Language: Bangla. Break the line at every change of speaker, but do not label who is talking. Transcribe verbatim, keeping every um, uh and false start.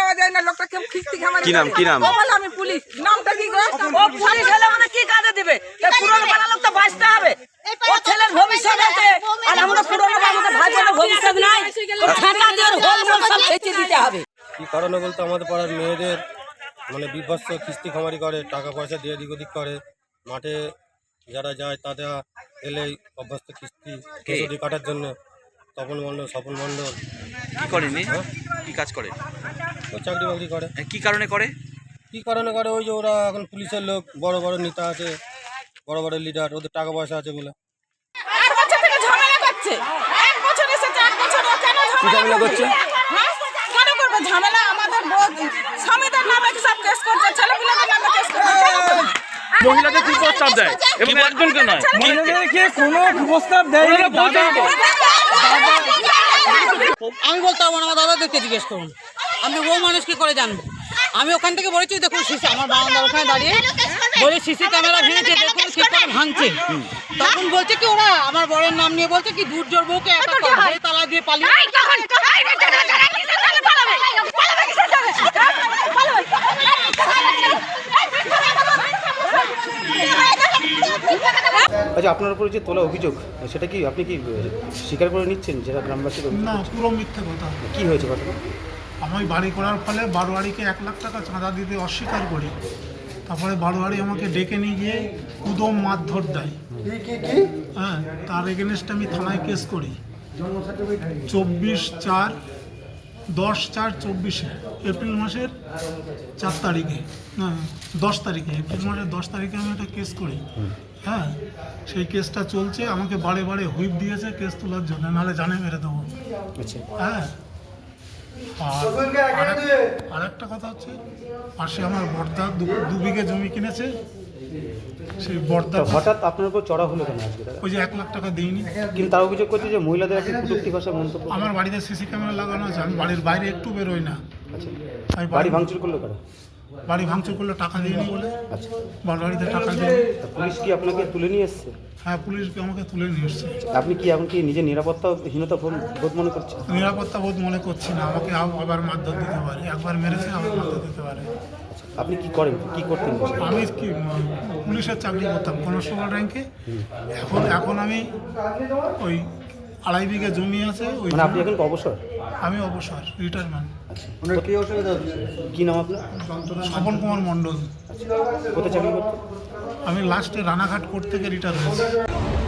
দেওয়া যায় না, লোকটা কেউ কিস্তি খামারি
কি নাম কি নাম
ও বলে আমি পুলিশ। নামটা কি গো?
ও পুলিশ হলে মানে কি কাজে দিবে? এই পুরনো পাড়া লোক তো বাঁচতে হবে, ও ছেলের ভবিষ্যৎ আছে, আর আমরা পুরনো আমাদের ভাই বোনের ভবিষ্যৎ নাই, ও ঠাটা দিয়ে হোল মোল সব ফেঁচে দিতে হবে।
কি কারণে বলতে আমাদের পাড়ার মেয়েদের মানে বিভৎস কিস্তি খামারি করে, টাকা পয়সা দিয়ে দিক ওদিক করে, মাঠে যারা যায় তাদের এলেই অভ্যস্ত কিস্তি কেসি কাটার জন্য তপন মণ্ডল স্বপন মণ্ডল
কি করেনি কি কাজ করে
ও চাকরি বাকরি করে।
কি কারণে করে
কি কারণে করে ওই যে ওরা এখন পুলিশের লোক, বড় বড় নেতা আছে, বড় বড় লিডার, ওদের টাকা পয়সা আছে বলে
এক বছর থেকে ঝামেলা করছে। এক বছর এসেছে, এক বছর ও কেন ঝামেলা করছে? হ্যাঁ? কেন করবে ঝামেলা? আমাদের ব- স্বামীদের নামে সব কেস করছে, ছেলেপিলেদের নামে কেস করছে। কেন করবে?
মহিলাদের কি প্রস্তাব দেয় এবং একজনকে নয়,
মহিলাদেরকে কোনো প্রস্তাব দেয় না।
আমি বলতে পারবো না, আমার দাদাদেরকে জিজ্ঞেস করুন, আমি ও মানুষ কি করে জানবো? আমি ওখান থেকে বলেছি দেখুন সিসি, আমার বারান্দার ওখানে দাঁড়িয়ে বলে সিসি ক্যামেরা ভেঙেছে, দেখুন কি করে ভাঙছে। তখন বলছে কি ওরা আমার বরের নাম নিয়ে বলছে কি দূর জোর বউকে একা করে তালা দিয়ে পালিয়ে।
আচ্ছা, আপনার উপরে যে তোলা অভিযোগ সেটা কি আপনি কি স্বীকার করে নিচ্ছেন যেটা গ্রামবাসীর অভিযোগ?
না, পুরো মিথ্যে কথা।
কি হয়েছে ঘটনা?
আমি বাড়ি করার ফলে বারোয়ারিকে এক লাখ টাকা চাঁদা দিতে অস্বীকার করি। তারপরে বারোয়ারি আমাকে ডেকে নিয়ে গিয়ে উদম মারধর দেয়। হ্যাঁ, তার এগেনস্টে আমি থানায় কেস করি চব্বিশ চার দশ চার চব্বিশে এপ্রিল মাসের চার তারিখে হ্যাঁ দশ তারিখে এপ্রিল মাসের দশ তারিখে আমি একটা কেস করি। হ্যাঁ, সেই কেসটা চলছে, আমাকে বারে বারে হুইপ দিয়েছে কেস তোলার জন্য, নাহলে জানে মেরে দেবো। হ্যাঁ, আর আরেকটা কথা হচ্ছে পাশে আমার বর্দা দু বিঘে জমি কিনেছে, সেই বর্দা
হঠাৎ আপনার উপর চড়া হলো কেন আজকে?
ওই যে এক লাখ টাকা দিইনি,
কিন্তু তার অভিযোগ করছে যে মহিলাদের একটি কটূক্তি ভাষা মন্তব্য।
আমার বাড়িতে সিসি ক্যামেরা লাগানো আছে, আমি বাড়ির বাইরে একটু বেরোই না।
আচ্ছা,
আমি
বাড়ি ভাঙচুর করলো কারা?
বাড়ি ভাঙচুর করলে টাকা দিইনি বলে।
আচ্ছা,
বাড়ি বাড়িতে টাকা দিই।
পুলিশ কি আপনাকে তুলে নিয়ে এসছে?
হ্যাঁ, পুলিশকে আমাকে তুলে নিয়ে এসছে।
আপনি কি এখন কি নিজের নিরাপত্তাহীনতা বোধ মনে করছেন?
নিরাপত্তা বোধ মনে করছি না, আমাকে আবার মারধর দিতে পারে, একবার মেরেছে আবার মারধর দিতে পারে।
আপনি কি করেন, কি করতেন?
আমি কি পুলিশের চাকরি করতাম কনস্টেবল র্যাঙ্কে, এখন এখন আমি ওই আড়াই বিঘা জমি আছে ওই।
মানে আপনি এখন অবসর?
আমি অবসর, রিটায়ারমেন্ট।
কি অসুবিধা হচ্ছে? কি নাম আপনার?
স্বপন কুমার মণ্ডল।
কোথায় চাকরি করতেন?
আমি লাস্টে রানাঘাট কোর্ট থেকে রিটায়ার হয়েছি।